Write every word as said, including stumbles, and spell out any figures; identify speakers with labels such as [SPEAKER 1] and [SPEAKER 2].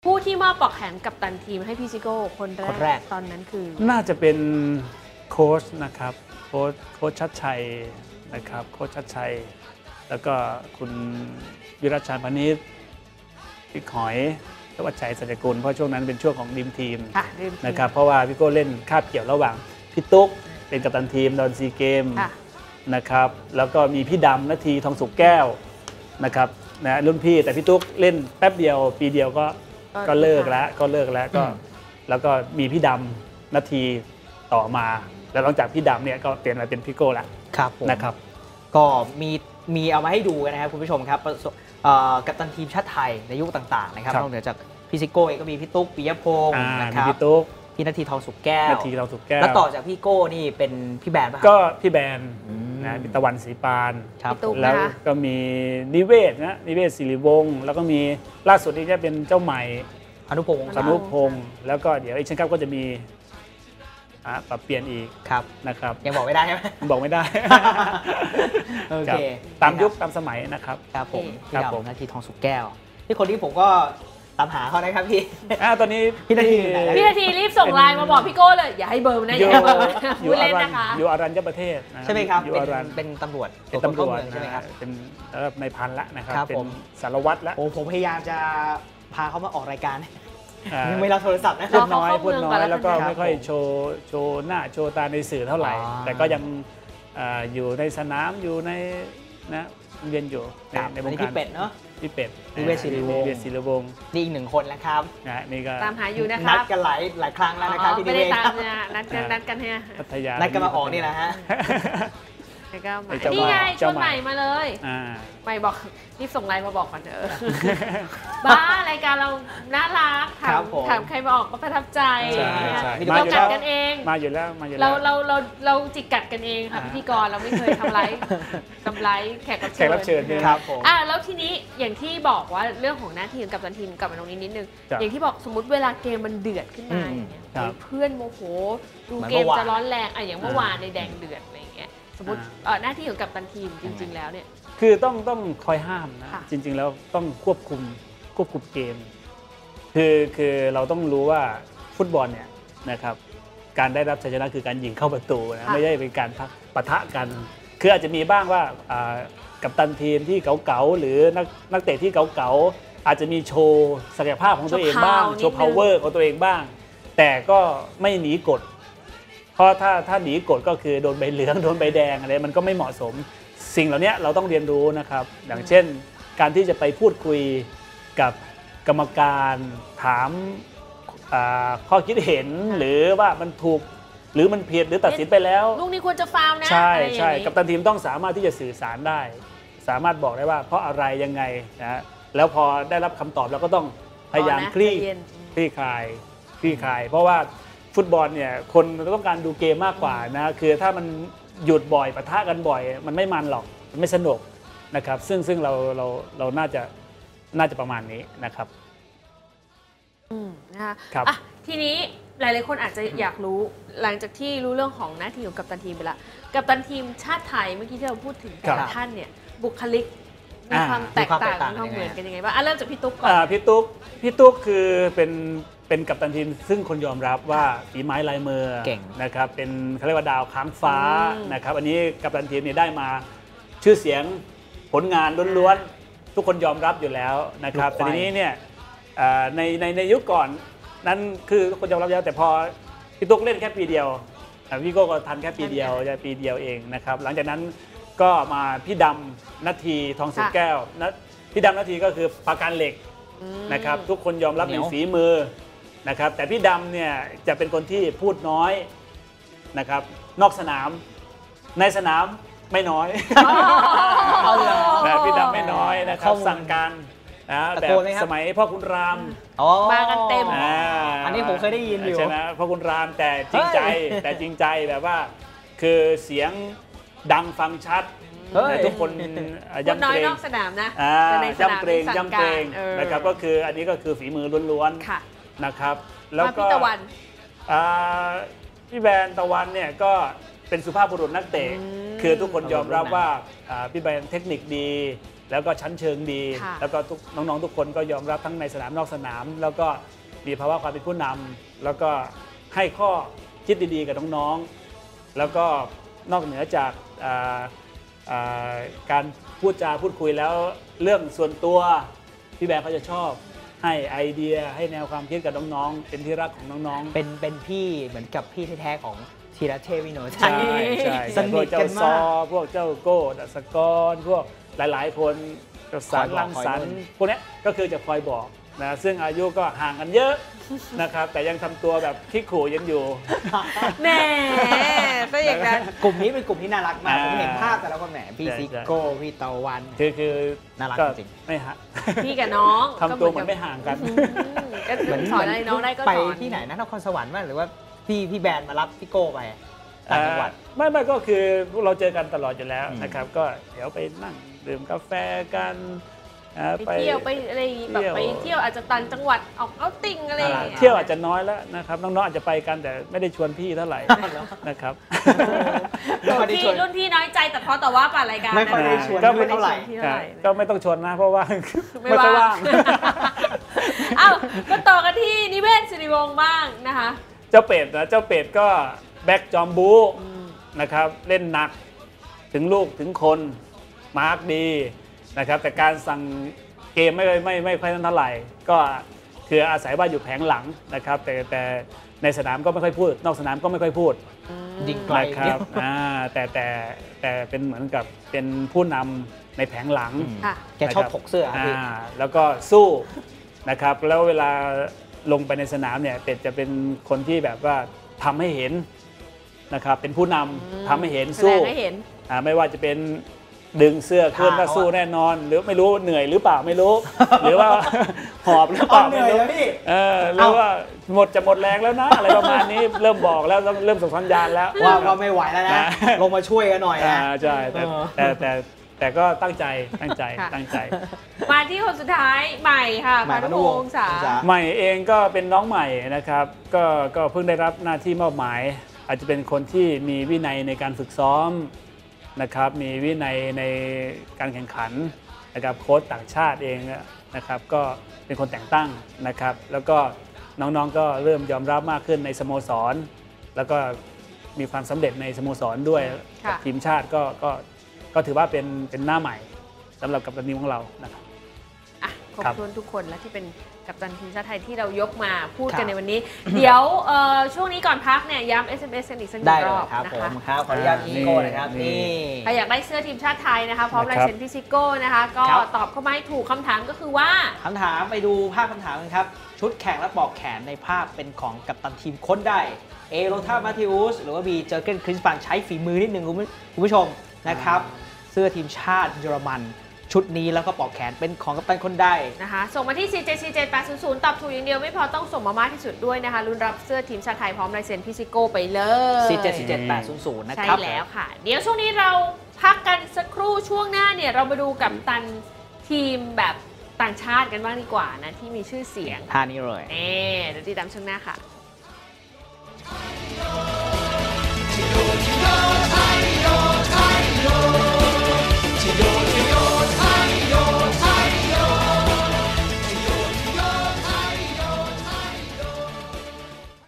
[SPEAKER 1] ผู้ที่มอบปลอกแขนกัปตันทีมให้พี่ซิโก้คนแร
[SPEAKER 2] คนแรก
[SPEAKER 1] กตอนนั้นคือ
[SPEAKER 3] น่าจะเป็นโค้ชนะครับโค้ชโค้ชชัดชัยนะครับโค้ชชัดชัยแล้วก็คุณวิรัชชัยพนิชพี่หอยและวัชชัยสัจกุลเพราะช่วงนั้นเป็นช่วงของดีมทีมนะครับเพราะว่าพี่โก้เล่นคาบเกี่ยวระหว่างพี่ตุ๊กเป็นกัปตันทีมตอนซีเกมนะครับแล้วก็มีพี่ดำนาทีทองสุกแก้วนะครับนะรุ่นพี่แต่พี่ตุ๊กเล่นแป๊บเดียวปีเดียวก็ก็เลิกแล้วก็เลิกแล้วก็แล้วก็มีพี่ดำนาทีต่อมาแล้วหลังจากพี่ดำเนี่ยก็เปลี่ยนมาเป็นพี่โก้แล้ว
[SPEAKER 2] ครับ
[SPEAKER 3] นะครับ
[SPEAKER 2] ก็มีมีเอามาให้ดูกันนะครับคุณผู้ชมครับกัปตันทีมชาติไทยในยุคต่างๆนะครับนอกเหนือจากพี่ซิโก้เองก็มีพี่ตุ๊กปิยพงศ์นะครับ
[SPEAKER 3] พี่ตุ๊ก
[SPEAKER 2] พี่นาทีทองสุกแก้ว
[SPEAKER 3] นาทีทองสุกแก้ว
[SPEAKER 2] แล้วต่อจากพี่โก้นี่เป็นพี่แบนป่ะ
[SPEAKER 3] ก็พี่แบนนะมีตะวันศรีปานแล้วก็มีนิเวศนะนิเวศศิริวงศ์แล้วก็มีล่าสุดนี้จะเป็นเจ้าใหม่
[SPEAKER 2] อนุพงศ์
[SPEAKER 3] อนุพงศ์แล้วก็เดี๋ยวอีกเช่นครับก็จะมีปรับเปลี่ยนอีกนะครับ
[SPEAKER 2] ยังบอกไม่ได้ใช่ไหม
[SPEAKER 3] บอกไม่ได้
[SPEAKER 2] โอเค
[SPEAKER 3] ตามยุคตามสมัยนะครับ
[SPEAKER 2] ครับผมพี่ดำนาทีทองสุกแก้วที่คนที่ผมก็ตามหาเขานะครับพี่
[SPEAKER 3] ตอนนี้
[SPEAKER 2] พี่นาที
[SPEAKER 1] พี่นาทีรีบส่งไลน์มาบอกพี่โก้เลยอย่าให้เบอร์นะอย่าให้เบอร์พูดเล่นนะคะ
[SPEAKER 3] อยู่อรัญญประเทศ
[SPEAKER 2] ใช่ไหมครับเป็นตำรวจ
[SPEAKER 3] เป็นตำรวจ
[SPEAKER 2] ใช่ไหมครับ
[SPEAKER 3] เป็นในพันละนะครับเป็นสารวัตรละ
[SPEAKER 2] โอ้ผมพยายามจะพาเขามาออกรายการยังไม่รับโทรศัพท์นะ
[SPEAKER 3] พูดน้อยพูดน้อยแล้วก็ไม่ค่อยโชว์โชว์หน้าโชว์ตาในสื่อเท่าไหร่แต่ก็ยังอยู่ในสนามอยู่ในนะเรียนอยู่
[SPEAKER 2] ในวงการพี่เป็ดเนาะ
[SPEAKER 3] พี่เป็ด
[SPEAKER 2] นิเวศศิริวงศ์
[SPEAKER 3] นิเวศศิริวงศ์
[SPEAKER 2] นี่อีกหนึ่งคนนะครับ
[SPEAKER 3] นี่ก็
[SPEAKER 1] ตามหาอยู่นะครับ
[SPEAKER 2] นัดกันหลายหลายครั้งแล้วนะครับพี่
[SPEAKER 1] ไม่ได้ตามนะนัดกันนัดกันให้
[SPEAKER 3] พัทยา
[SPEAKER 2] นัดกันมาออกนี่แหละฮะ
[SPEAKER 1] นี่ไงชวนใหม่มาเลยใหม่บอกรีบส่งไลน์มาบอกก่อนเถอะบ้ารายการเราน่ารักถามถามใครมาออกก็ประทับใจเรากัดกันเอง
[SPEAKER 3] มาอยู่แล้วมาอยู่
[SPEAKER 1] แล้วเราเราเราเราจิกกัดกันเองค่ะพิธีกรเราไม่เคยทำไรทำไรแขก
[SPEAKER 3] รับเชิญ
[SPEAKER 1] ครับผมอ่ะแล้วทีนี้อย่างที่บอกว่าเรื่องของหน้าที่กับตันทีมกลับมาตรงนี้นิดนึงอย่างที่บอกสมมติเวลาเกมมันเดือดขึ้นมาเพื่อนโมโหดูเกมจะร้อนแรงอ่ะอย่างเมื่อวานในแดงเดือดอะไรอย่างเงี้ยสมมติหน้าที่ของกัปตันทีมจริงๆแล้วเนี่ย
[SPEAKER 3] คือต้องต้องคอยห้ามนะจริงๆแล้วต้องควบคุมควบคุมเกมคือคือเราต้องรู้ว่าฟุตบอลเนี่ยนะครับการได้รับชัยชนะคือการยิงเข้าประตูนะไม่ใช่เป็นการปะทะกันคืออาจจะมีบ้างว่ากัปตันทีมที่เก๋าๆหรือนักนักเตะที่เก๋าๆอาจจะมีโชว์ศักยภาพของตัวเองบ้างโชว์ power ของตัวเองบ้างแต่ก็ไม่หนีกฎเพราะถ้าถ้าหนีกฎก็คือโดนใบเหลืองโดนใบแดงอะไรมันก็ไม่เหมาะสมสิ่งเหล่านี้เราต้องเรียนรู้นะครับอย่างเช่นการที่จะไปพูดคุยกับกรรมการถามข้อคิดเห็นหรือว่ามันถูกหรือมันผิดหรือตัดสินไปแล้ว
[SPEAKER 1] ลูกนี้ควรจะฟาวล์นะ
[SPEAKER 3] ใช่ใช่กัปตันทีมต้องสามารถที่จะสื่อสารได้สามารถบอกได้ว่าเพราะอะไรยังไงนะแล้วพอได้รับคำตอบเราก็ต้องพยายามคลี่คลี่คลายคลี่คลายเพราะว่าฟุตบอลเนี่ยคนต้องการดูเกมมากกว่านะคือถ้ามันหยุดบ่อยปะทะกันบ่อยมันไม่มันหรอกมันไม่สนุกนะครับซึ่งซึ่งเราเราเราน่าจะน่าจะประมาณนี้นะครับ
[SPEAKER 1] อืมนะคะครับอ่ะทีนี้หลายๆคนอาจจะอยากรู้หลังจากที่รู้เรื่องของหน้าที่ของกัปตันทีมไปละกัปตันทีมชาติไทยเมื่อกี้ที่เราพูดถึงแต่ละท่านเนี่ยบุคลิกมีความแตกต่างมีความเหมือนกันยังไงบ้างอ่ะเริ่มจากพี่ตุ๊กก่อน
[SPEAKER 3] พี่ตุ๊กพี่ตุ๊กคือเป็นเป็นกัปตันทีมซึ่งคนยอมรับว่าฝีไม้ลายมือนะครับเป็นเขาเรียกว่าดาวค้างฟ้านะครับอันนี้กัปตันทีมเนี่ยได้มาชื่อเสียงผลงานล้วนๆทุกคนยอมรับอยู่แล้วนะครับแต่ทีนี้เนี่ยในในในยุคก่อนนั้นคือทุกคนยอมรับแล้วแต่พอพี่ตุ๊กเล่นแค่ปีเดียวพี่โก้ก็ทันแค่ปีเดียวจะปีเดียวเองนะครับหลังจากนั้นก็มาพี่ดำนาทีทองสุกแก้วนะพี่ดำนาทีก็คือปราการเหล็กนะครับทุกคนยอมรับในฝีมือนะครับแต่พี่ดำเนี่ยจะเป็นคนที่พูดน้อยนะครับนอกสนามในสนามไม่น้อยนะพี่ดำไม่น้อยนะครับสั่งการนะแบบสมัยพ่อคุณราม
[SPEAKER 1] มากันเต็ม
[SPEAKER 2] อันนี้ผมเคยได้ยินอยู่
[SPEAKER 3] ใช่ไหมพ่อคุณรามแต่จริงใจแต่จริงใจแบบว่าคือเสียงดังฟังชัดทุกคน
[SPEAKER 1] ยำเกรงนอกสนามนะ
[SPEAKER 3] ยำเกรงยำเกรงนะครับก็คืออันนี้ก็คือฝีมือล้วนๆนะครับแล้วก็
[SPEAKER 1] พี่ตะวัน
[SPEAKER 3] พี่แบนตะวันเนี่ยก็เป็นสุภาพบุรุษนักเตะคือทุกคนยอมรับว่าพี่แบนเทคนิคดีแล้วก็ชั้นเชิงดี
[SPEAKER 1] ค่ะ
[SPEAKER 3] แล้วก็ทุกน้องๆทุกคนก็ยอมรับทั้งในสนามนอกสนาม แล้วก็มีภาวะความเป็นผู้นำแล้วก็ให้ข้อคิดดีๆกับน้องๆแล้วก็นอกเหนือจากอ่าอ่าการพูดจาพูดคุยแล้วเรื่องส่วนตัวพี่แบร์เขาจะชอบให้ไอเดียให้แนวความคิดกับน้องๆเป็นที่รักของน้องๆ
[SPEAKER 2] เป็นเป็นพี่เหมือนกับพี่แท้ๆของธีรเทพวิโนช
[SPEAKER 3] ใช่ใช่
[SPEAKER 2] ส
[SPEAKER 3] พ
[SPEAKER 2] นิ
[SPEAKER 3] วก
[SPEAKER 2] ท
[SPEAKER 3] เจ้า
[SPEAKER 2] กัน
[SPEAKER 3] ซอ
[SPEAKER 2] มาก
[SPEAKER 3] พวกเจ้าโก้ดัสกรพวกหลายๆ คนเจ้าสาร
[SPEAKER 2] คอยบอก
[SPEAKER 3] ลังสรร
[SPEAKER 2] คอย
[SPEAKER 3] ค์
[SPEAKER 2] นู่น
[SPEAKER 3] พวกเนี้ยก็คือจะคอยบอกนะซึ่งอายุก็ห่างกันเยอะ นะครับแต่ยังทำตัวแบบขี้ขู่ยังอยู่
[SPEAKER 1] แหมซะอย่างนั้น
[SPEAKER 2] กลุ่มนี้เป็นกลุ่มที่น่ารักมาก
[SPEAKER 3] อ่า
[SPEAKER 2] ผมเห็นภาพแต่ละคนแหมพี่
[SPEAKER 3] ใช่
[SPEAKER 2] ซิโก้พี่ตะวัน
[SPEAKER 3] คือคือ
[SPEAKER 2] น่ารัก
[SPEAKER 3] ก็
[SPEAKER 2] จริง
[SPEAKER 3] ไม่ห่าง
[SPEAKER 1] พี่กับน้อง
[SPEAKER 3] ทำตัวเหมือนไม่ห่างกัน
[SPEAKER 1] อืมก็สอนอะไรน้องได้ก็
[SPEAKER 2] ไป
[SPEAKER 1] สอน
[SPEAKER 2] ที่ไหนนะนครสวรรค์มั้ยหรือว่าพี่พี่แบรนด์มารับพี่โก้ไปต่างจังหวัด
[SPEAKER 3] อ่าไม่ไม่ก็คือพวกเราเจอกันตลอดอยู่แล้ว
[SPEAKER 2] อืม
[SPEAKER 3] นะครับก็เดี๋ยวไปนั่งดื่มกาแฟกันอ่า
[SPEAKER 1] ไปเที่ยวไปอะไรอย่างงี้แบบ
[SPEAKER 3] เที่ยว
[SPEAKER 1] ไปเที่ยวอาจจะต่างจังหวัดออกเอาติ้งอะไรอย่างเงี้ย
[SPEAKER 3] เที่ยวอาจจะน้อยแล้วนะครับน้องๆอาจจะไปกันแต่ไม่ได้ชวนพี่เท่าไหร่นะครับ
[SPEAKER 1] รุ่นพี่รุ่นพี่น้อยใจแต่เพราะแต่ว่าป่ารายการ
[SPEAKER 2] ไม่ค่อยได้ชวน
[SPEAKER 3] ก็
[SPEAKER 2] ไม่เท่าไหร่
[SPEAKER 1] เท่าไหร่
[SPEAKER 3] ก็ไม่ต้องชวนนะเพราะว่า
[SPEAKER 1] ไม่
[SPEAKER 3] ไม่ค่อย
[SPEAKER 1] ว่า
[SPEAKER 3] ว่าง ง
[SPEAKER 1] อ้าวก็ต่อกันที่นิเวศสิริวงศ์บ้างนะคะ
[SPEAKER 3] เจ้าเป็ดนะเจ้าเป็ดก็แบ็กจอมบูนะครับเล่นหนักถึงลูกถึงคนมาร์กดีนะครับแต่การสั่งเกมไม่ไม่ไม่ค่อยเท่าไหร่ก็คืออาศัยว่าอยู่แผงหลังนะครับแต่แต่ในสนามก็ไม่ค่อยพูด นอกสนามก็ไม่ค่อยพูด
[SPEAKER 2] ยิงไกล
[SPEAKER 3] นะครับอ่าแต่แต่แต่เป็นเหมือนกับเป็นผู้นำในแผงหลัง
[SPEAKER 2] อืม
[SPEAKER 1] ค่ะ
[SPEAKER 2] แกชอบถกเสื้อครับพี่
[SPEAKER 3] อ่าแล้วก็สู้นะครับแล้วเวลาลงไปในสนามเนี่ยเป็ดจะเป็นคนที่แบบว่าทำให้เห็นนะครับเป็นผู้นำทำให้เห็น
[SPEAKER 1] แสด
[SPEAKER 3] สู้
[SPEAKER 1] งให้เห็น
[SPEAKER 3] อ่าไม่ว่าจะเป็นดึงเสื้อขึ้น
[SPEAKER 2] ท่า
[SPEAKER 3] ก็สู้
[SPEAKER 2] เขาอะ
[SPEAKER 3] แน่นอน หรือไม่รู้เหนื่อยหรือเปล่าไม่รู้ หรือว่า หอบหรือเปล่า
[SPEAKER 2] เอาเหนื่
[SPEAKER 3] ไม่
[SPEAKER 2] อย
[SPEAKER 3] รู้
[SPEAKER 2] แล้วพี่
[SPEAKER 3] เออหรือว่าหมดจะหมดแรงแล้วนะ อะไรประมาณนี้เริ่มบอกแล้วเริ่มส่งสัญญาณแล้ว
[SPEAKER 2] ว่าว่าไม่ไหวแล้วนะ
[SPEAKER 3] นะ
[SPEAKER 2] ลงมาช่วยกันหน่อย
[SPEAKER 3] อ่า
[SPEAKER 2] นะ
[SPEAKER 3] ใช่แต่
[SPEAKER 2] เออ
[SPEAKER 3] แต่แต่แต่ก็ตั้งใจตั้งใจ
[SPEAKER 1] ค่ะ
[SPEAKER 3] ตั้งใจ
[SPEAKER 1] มาที่คนสุดท้ายใหม่ค่ะ
[SPEAKER 2] ใหม่
[SPEAKER 1] พานุ
[SPEAKER 2] พานุ
[SPEAKER 1] พ
[SPEAKER 2] ว
[SPEAKER 1] ง
[SPEAKER 2] งศ์
[SPEAKER 1] ศ์ษา
[SPEAKER 2] ษา
[SPEAKER 3] ใหม่เองก็เป็นน้องใหม่นะครับก็ก็เพิ่งได้รับหน้าที่มอบหมาย อาจจะเป็นคนที่มีวินัยในการฝึกซ้อมนะครับมีวินัยในการแข่งขันนะครับโค้ชต่างชาติเองนะครับก็เป็นคนแต่งตั้งนะครับแล้วก็น้องๆก็เริ่มยอมรับมากขึ้นในสโมสร แล้วก็มีความสำเร็จในสโมสรด้วย
[SPEAKER 1] ค่ะ
[SPEAKER 3] กับทีมชาติก็ก็ก็ถือว่าเป็นเป็นหน้าใหม่สำหรับกัปตันทีมของเรานะครับ
[SPEAKER 1] อ่ะขอบ
[SPEAKER 3] ครับ
[SPEAKER 1] คุณทุกคนและที่เป็นกัปตันทีมชาติไทยที่เรายกมาพูด
[SPEAKER 2] ครั
[SPEAKER 1] กัน
[SPEAKER 2] บ
[SPEAKER 1] ในวันนี้ เดี๋ยวเอ่อช่วงนี้ก่อนพักเนี่ยย้ำ เอส เอ็ม เอส กันอีกสักหนึ่
[SPEAKER 2] ได้
[SPEAKER 1] ง
[SPEAKER 2] เล
[SPEAKER 1] รอย บ
[SPEAKER 2] ครับ
[SPEAKER 1] นะ
[SPEAKER 2] ผ
[SPEAKER 1] คะ
[SPEAKER 2] มครับขออนุญาตพี่โก้นะครับ
[SPEAKER 3] นี่
[SPEAKER 2] นี่
[SPEAKER 1] ใครอยากได้เสื้อทีมชาติไทยนะคะพร้อม
[SPEAKER 3] นะ
[SPEAKER 1] ลาย
[SPEAKER 3] ครับ
[SPEAKER 1] เซ็นพี่ซิโก้นะคะก็
[SPEAKER 2] ครับ
[SPEAKER 1] ตอบเข้ามาให้ถูกคำถามก็คือว่า
[SPEAKER 2] คำถามไปดูภาพคำถามกันครับ ชุดแข่งและปลอกแขนในภาพเป็นของกัปตันทีมค้นได้เอโรธามาธิอุสหรือว่าบีเจอร์เกนคริสฟันใช้ฝีมือนิดนึงคุณผู้คุณผู้ชมนะครับเสื้อทีมชาติเยอรมันชุดนี้แล้วก็ปลอกแขนเป็นของกัปตันคนได้
[SPEAKER 1] นะคะส่งมาที่ สี่ เจ็ด สี่ เจ็ด แปด ศูนย์ ศูนย์ ตอบถูกอย่างเดียวไม่พอต้องส่งมามากที่สุดด้วยนะคะลุ้นรับเสื้อทีมชาติไทยพร้อมลายเซ็นพี่ซิโก้ไปเลย
[SPEAKER 2] สี่ เจ็ด สี่ เจ็ด แปด ศูนย์ ศูนย์ นะ
[SPEAKER 1] ใช่
[SPEAKER 2] ครับ
[SPEAKER 1] แล้วค่ะ เดี๋ยวช่วงนี้เราพักกันสักครู่ช่วงหน้าเนี่ยเรามาดูกับตันทีมแบบต่างชาติกันบ้างดีกว่านะที่มีชื่อเสียง
[SPEAKER 2] ท่านี้เลย
[SPEAKER 1] เน่เดี๋ยวติดตามช่วงหน้าค่ะ